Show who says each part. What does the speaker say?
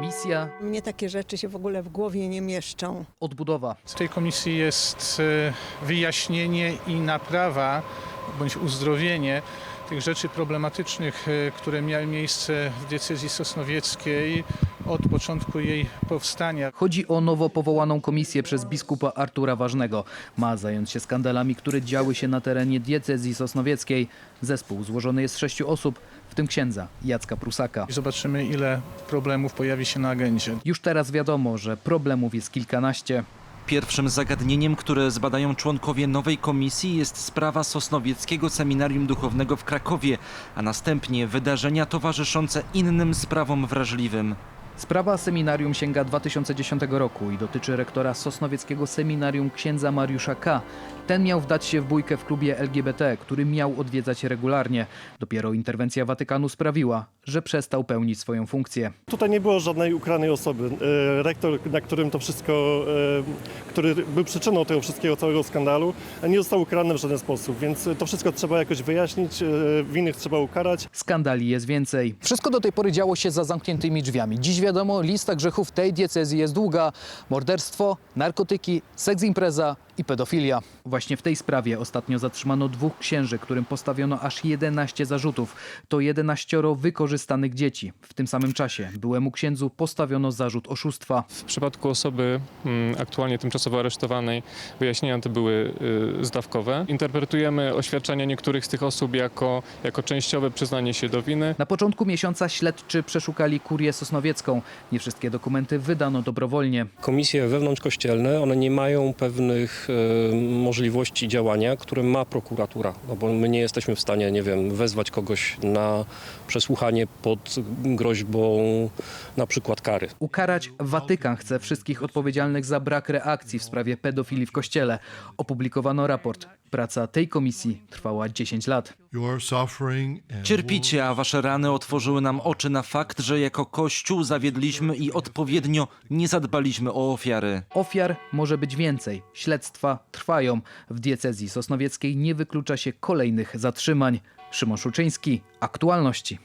Speaker 1: Misja,
Speaker 2: Mnie takie rzeczy się w ogóle w głowie nie mieszczą.
Speaker 1: odbudowa.
Speaker 3: W tej komisji jest wyjaśnienie i naprawa bądź uzdrowienie tych rzeczy problematycznych, które miały miejsce w diecezji sosnowieckiej od początku jej powstania.
Speaker 1: Chodzi o nowo powołaną komisję przez biskupa Artura Ważnego. Ma zająć się skandalami, które działy się na terenie diecezji sosnowieckiej. Zespół złożony jest z 6 osób, w tym księdza Jacka Prusaka.
Speaker 3: I zobaczymy, ile problemów pojawi się na agendzie.
Speaker 1: Już teraz wiadomo, że problemów jest kilkanaście.
Speaker 4: Pierwszym zagadnieniem, które zbadają członkowie nowej komisji, jest sprawa Sosnowieckiego Seminarium Duchownego w Krakowie, a następnie wydarzenia towarzyszące innym sprawom wrażliwym.
Speaker 1: Sprawa seminarium sięga 2010 roku i dotyczy rektora Sosnowieckiego Seminarium księdza Mariusza K. Ten miał wdać się w bójkę w klubie LGBT, który miał odwiedzać regularnie. Dopiero interwencja Watykanu sprawiła, że przestał pełnić swoją funkcję.
Speaker 5: Tutaj nie było żadnej ukranej osoby. Rektor, na którym to wszystko, który był przyczyną tego wszystkiego, całego skandalu, nie został ukarany w żaden sposób, więc to wszystko trzeba jakoś wyjaśnić, winnych trzeba ukarać.
Speaker 1: Skandali jest więcej. Wszystko do tej pory działo się za zamkniętymi drzwiami. Dziś wiadomo, lista grzechów tej diecezji jest długa. Morderstwo, narkotyki, seks impreza i pedofilia. Właśnie w tej sprawie ostatnio zatrzymano 2 księży, którym postawiono aż 11 zarzutów. To 11 wykorzystanych dzieci. W tym samym czasie byłemu księdzu postawiono zarzut oszustwa.
Speaker 6: W przypadku osoby aktualnie tymczasowo aresztowanej wyjaśnienia te były zdawkowe. Interpretujemy oświadczenia niektórych z tych osób jako częściowe przyznanie się do winy.
Speaker 1: Na początku miesiąca śledczy przeszukali kurię sosnowiecką. Nie wszystkie dokumenty wydano dobrowolnie.
Speaker 7: Komisje wewnątrzkościelne, one nie mają pewnych możliwości działania, które ma prokuratura, no bo my nie jesteśmy w stanie, nie wiem, wezwać kogoś na przesłuchanie pod groźbą na przykład kary.
Speaker 1: Ukarać Watykan chce wszystkich odpowiedzialnych za brak reakcji w sprawie pedofilii w Kościele. Opublikowano raport. Praca tej komisji trwała 10 lat.
Speaker 4: Cierpicie, a wasze rany otworzyły nam oczy na fakt, że jako Kościół zawiedliśmy i odpowiednio nie zadbaliśmy o ofiary.
Speaker 1: Ofiar może być więcej. Śledztwa trwają. W diecezji sosnowieckiej nie wyklucza się kolejnych zatrzymań. Szymon Szuczyński, Aktualności.